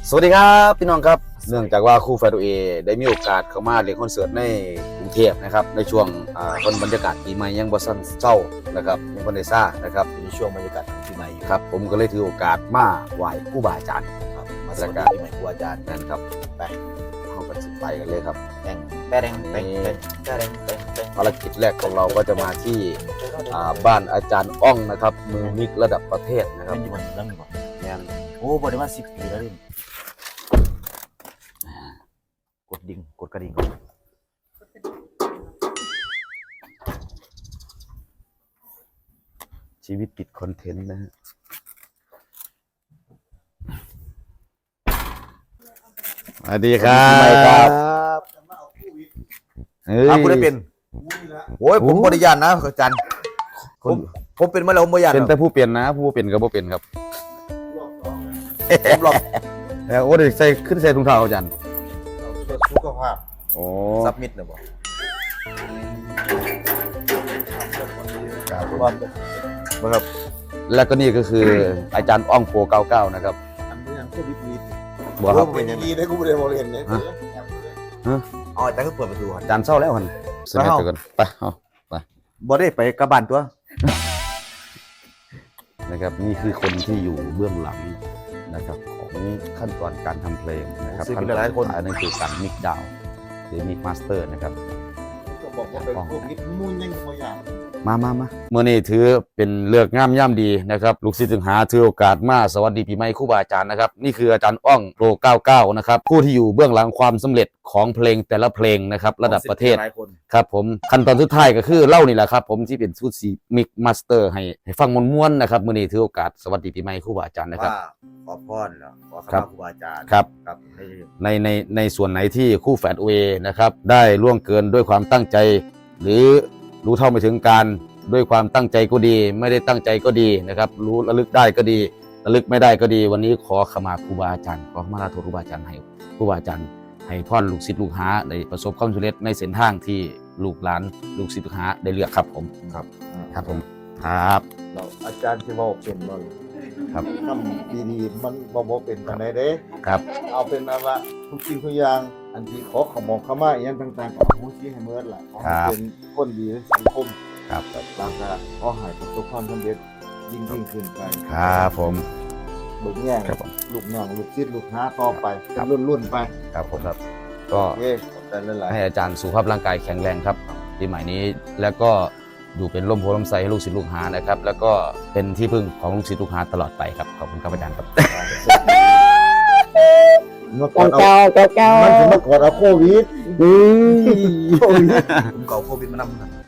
สวัสดีครับพี่น้องครับเนื่องจากว่าครูแฟดูเอได้มีโอกาสเข้ามาเล่นคอนเสิร์ตในกรุงเทพนะครับในช่วงคนบรรยากาศปีใหม่ยังบ่สั้นเศร้านะครับยังบ่ได้ซ่านะครับในช่วงบรรยากาศปีใหม่อยู่ครับผมก็เลยถือโอกาสมาไหว้ครูบาอาจารย์ครับมาสวัสดีปีใหม่ครูอาจารย์นั่นครับไปเข้าไปสิไปกันเลยครับแต่งแป้งภารกิจแรกของเราก็จะมาที่บ้านอาจารย์อ้องนะครับมือมิกระดับประเทศนะครับเป็นอยู่บนเรื่องนี้ก่อนแม่นโอ้บริมา10 ปีแล้วดิกดดิ่งกดกระดิ่งชีวิตติดคอนเทนต์นะฮะสวัสดีครับคุณได้เป็นโอ้ยผมบริยานนะอาจารย์ผมเป็นมาแล้วผมบริยานเป็นแต่ผู้เปลี่ยนนะผู้เป็นกับผู้เป็นครับผมหลอกแล้วโอ้ยใส่ขึ้นใส่ถุงเท้าอาจารย์สุขภาพโอ้ซับมิดนะบอกครับแล้วก็นี่ก็คืออาจารย์อ้องโปร99นะครับอันนี้ยังก็วิทย์บัวครับเป็นอย่างนี้ได้กูไม่ได้บอกเรียนเลยอ๋ออาจารย์ก็เปิดประตูอาจารย์เศร้าแล้วมันเสนอตัวกันไปเอาบ่ได้ไปกระบานตัวนะครับนี่คือคนที่อยู่เบื้องหลังนะครับของขั้นตอนการทำเพลงนะครับขั้นตอนสุดท้ายนั่นคือการมิกดาวหรือมิกมาสเตอร์นะครับก็บอกว่าเป็นพวกนิดมุ่นยังตัวอย่างมาเมื่อนี้ถือเป็นเลือกงามย่ำดีนะครับลูกศิษย์ถึงหาถือโอกาสมาสวัสดีปีใหม่ครูบาอาจารย์นะครับนี่คืออาจารย์อ้องโปร99นะครับผู้ที่อยู่เบื้องหลังความสำเร็จของเพลงแต่ละเพลงนะครับระดับประเทศครับผมขั้นตอนสุดท้ายก็คือเล่านี่แหละครับผมที่เป็นชุดสีมิกมาสเตอร์ให้ฟังม้วนๆนะครับเมื่อนี้ถือโอกาสสวัสดีปีใหม่ครูบาอาจารย์นะครับขอพรเหรอขอครัข้าบครูบาอาจารย์ครับครับในส่วนไหนที่คู่แฝดเวนะครับได้ล่วงเกินด้วยความตั้งใจ หรือรู้เท่าไม่ถึงการด้วยความตั้งใจก็ดี ไม่ได้ตั้งใจก็ดีนะครับรู้ระลึกได้ก็ดีระลึกไม่ได้ก็ดี วันนี้ขอขมาครูบาอาจารย์ขอขมาลาโทษครูบาอาจารย์ให้ครูบาอาจารย์ให้พ่อลูกศิษย์ลูกหาได้ประสบความสำเร็จในเส้นทางที่ลูกหลานลูกศิษย์ลูกหาได้เลือกครับผม ครับผมครับเราอาจารย์ที่ว่าเป็นเราครับทำดีๆมันบอกเป็นกันไหนเด้ครับเอาเป็นว่าทุกสิ่งทุกอย่างอันที่ขอขมองขมาอย่างต่างๆของผู้ที่ให้เมื่อแหละขอให้เป็นคนดีในสังคมครับบางการขอให้ประสบความสำเร็จยิ่งขึ้นไปครับผมเบิกแง่ครับผมลูกน้องลูกศิษย์ลูกหาต่อไปครับเป็นรุ่นๆไปครับผมครับก็โอเคขอบใจหลายๆให้อาจารย์สุขภาพร่างกายแข็งแรงครับปีใหม่นี้แล้วก็อยู่เป็นร่มโพล่มไทรให้ลูกศิษย์ลูกหานะครับแล้วก็เป็นที่พึ่งของลูกศิษย์ลูกหาตลอดไปครับขอบคุณครับอาจารย์ครับเมื่อก่อนเอามันถึงเมื่อก่อนเอาโควิดผมเก่าโควิดมานำ